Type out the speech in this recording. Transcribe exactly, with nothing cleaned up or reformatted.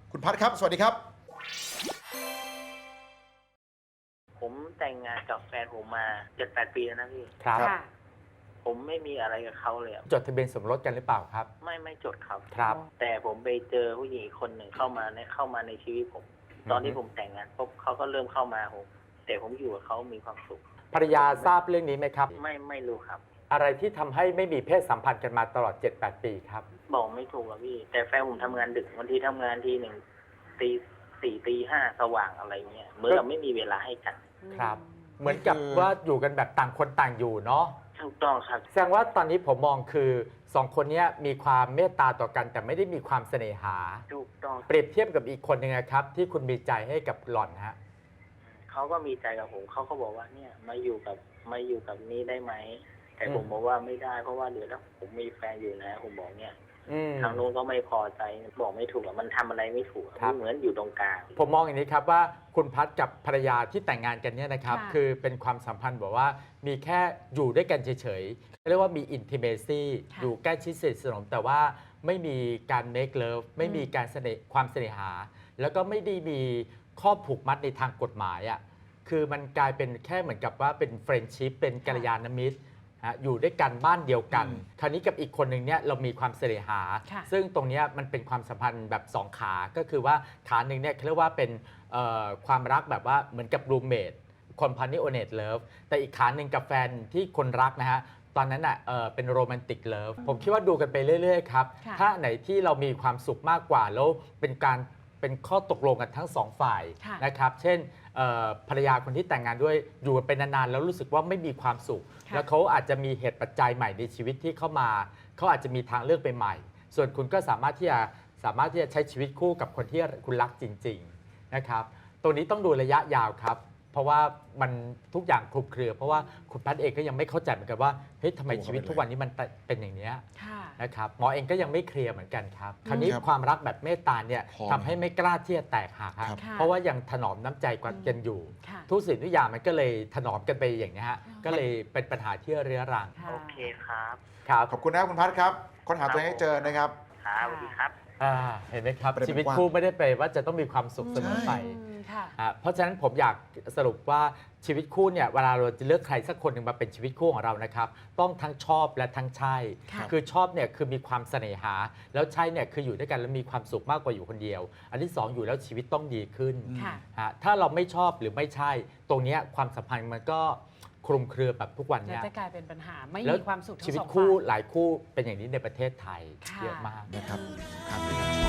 คุณพัดครับสวัสดีครับผมแต่งงานกับแฟนผมมาเจ็ดแปดปีแล้วนะพี่ครับค่ะผมไม่มีอะไรกับเขาเลยอะจดทะเบียนสมรสกันหรือเปล่าครับไม่ไม่จดครับครับแต่ผมไปเจอผู้หญิงอีกคนหนึ่งเข้ามาในเข้ามาในชีวิตผม ตอนที่ผมแต่งงานปุ๊บเขาก็เริ่มเข้ามาผมแต่ผมอยู่กับเขามีความสุขภรรยาทราบเรื่องนี้ไหมครับไม่ไม่รู้ครับอะไรที่ทำให้ไม่มีเพศสัมพันธ์กันมาตลอด เจ็ดแปด ปีครับบอกไม่ถูกอะพี่ แต่แฟนผมทำงานดึกบางทีทำงานทีหนึ่งตีสี่ตีห้าสว่างอะไรเงี้ยเหมื่อนเราไม่มีเวลาให้กันครับ เหมือนกับว่าอยู่กันแบบต่างคนต่างอยู่เนาะถูกต้องครับแสดงว่าตอนนี้ผมมองคือสองคนเนี้ยมีความเมตตาต่อกัน แต่ไม่ได้มีความเสน่หาถูกต้องเปรียบเทียบกับอีกคนหนึ่งนะครับ ที่คุณมีใจให้กับหล่อนฮะเขาก็มีใจกับผมเขาก็บอกว่าเนี่ยมาอยู่กับมาอยู่กับนี้ได้ไหมแต่อืมผมบอกว่าไม่ได้เพราะว่าเดี๋ยวถ้าผมมีแฟนอยู่นะผมบอกเนี่ยอืมทางนู้นก็ไม่พอใจบอกไม่ถูกอะมันทำอะไรไม่ถูกอะครับเหมือนอยู่ตรงกลางผมมองอย่างนี้ครับว่าคุณพัดกับภรรยาที่แต่งงานกันเนี่ยนะครับค่ะคือเป็นความสัมพันธ์แบบว่ามีแค่อยู่ด้วยกันเฉยๆเรียกว่ามี intimacy ค่ะอยู่ใกล้ชิดสนิทสนมแต่ว่าไม่มีการ make love ไม่มีการเสน่ห์ความเสน่หา แล้วก็ไม่ได้มีข้อผูกมัดในทางกฎหมายอ่ะคือมันกลายเป็นแค่เหมือนกับว่าเป็น friendship เป็นกัลยาณมิตรฮะอยู่ด้วยกันบ้านเดียวกันอืมคราวนี้กับอีกคนหนึ่งเนี่ยเรามีความเสน่หาค่ะซึ่งตรงเนี้ยมันเป็นความสัมพันธ์แบบสองขา ก็คือว่าขาหนึ่งเนี่ยเขาเรียกว่าเป็นเอ่อความรักแบบว่าเหมือนกับรูเมทคอมพานีโอเนตเลิฟแต่อีกขาหนึ่งกับแฟนที่คนรักนะฮะ ตอนนั้นอ่ะเอ่อเป็นโรแมนติกเลิฟผมคิดว่าดูกันไปเรื่อยๆครับค่ะถ้าไหนที่เรามีความสุขมากกว่า แล้วเป็นการเป็นข้อตกลงกันทั้งสองฝ่ายค่ะนะครับ เช่นเอ่อภรรยาคนที่แต่งงานด้วยอยู่กันเป็นนานๆแล้วรู้สึกว่าไม่มีความสุขค่ะแล้วเขาอาจจะมีเหตุปัจจัยใหม่ในชีวิตที่เข้ามา เขาอาจจะมีทางเลือกไปใหม่ ส่วนคุณก็สามารถที่จะสามารถที่จะใช้ชีวิตคู่กับคนที่คุณรักจริงๆนะครับ ตรงนี้ต้องดูระยะยาวครับ เพราะว่ามันทุกอย่างคลุมเครือ เพราะว่าคุณพัดเองก็ยังไม่เข้าใจเหมือนกันว่าเฮ้ยทำไมชีวิตทุกวันนี้มันเป็นอย่างเนี้ยค่ะนะครับหมอเองก็ยังไม่เคลียร์เหมือนกันครับ คราวนี้ครับความรักแบบเมตตาเนี่ยพอทำให้ไม่กล้าที่จะแตกหักครับครับค่ะเพราะว่ายังถนอมน้ำใจกันอยู่ค่ะทุกสิ่งทุกอย่างมันก็เลยถนอมกันไปอย่างนี้ยฮะอ๋อก็เลยเป็นปัญหาที่เรื้อรังค่ะโอเคครับครับขอบคุณนะครับคุณพัดครับค้นหาตัวเองให้เจอนะครับครับสวัสดีครับอ่าเห็นไหมครับประเด็นชีวิตกว้างคู่ไม่ได้แปลว่าจะต้องมีความสุขเสมอไปอืมค่ะอ่ะเพราะฉะนั้นผมอยากสรุปว่าชีวิตคู่เนี่ยเวลาเราจะเลือกใครสักคนหนึ่งมาเป็นชีวิตคู่ของเรานะครับต้องทั้งชอบและทั้งใช่ค่ะคือชอบเนี่ยคือมีความเสน่หา แล้วใช่เนี่ยคืออยู่ด้วยกันแล้วมีความสุขมากกว่าอยู่คนเดียว อันที่สองอยู่แล้วชีวิตต้องดีขึ้นค่ะฮะถ้าเราไม่ชอบหรือไม่ใช่ ตรงเนี้ยความสัมพันธ์มันก็คลุมเครือแบบทุกวันแล้วเนี้ยจะกลายเป็นปัญหาไม่แล้วมีความสุขทั้ชีงวิสตองคู่ฝ่ายหลายคู่เป็นอย่างนี้ในประเทศไทยค่ะเยอะมากนะครับครับ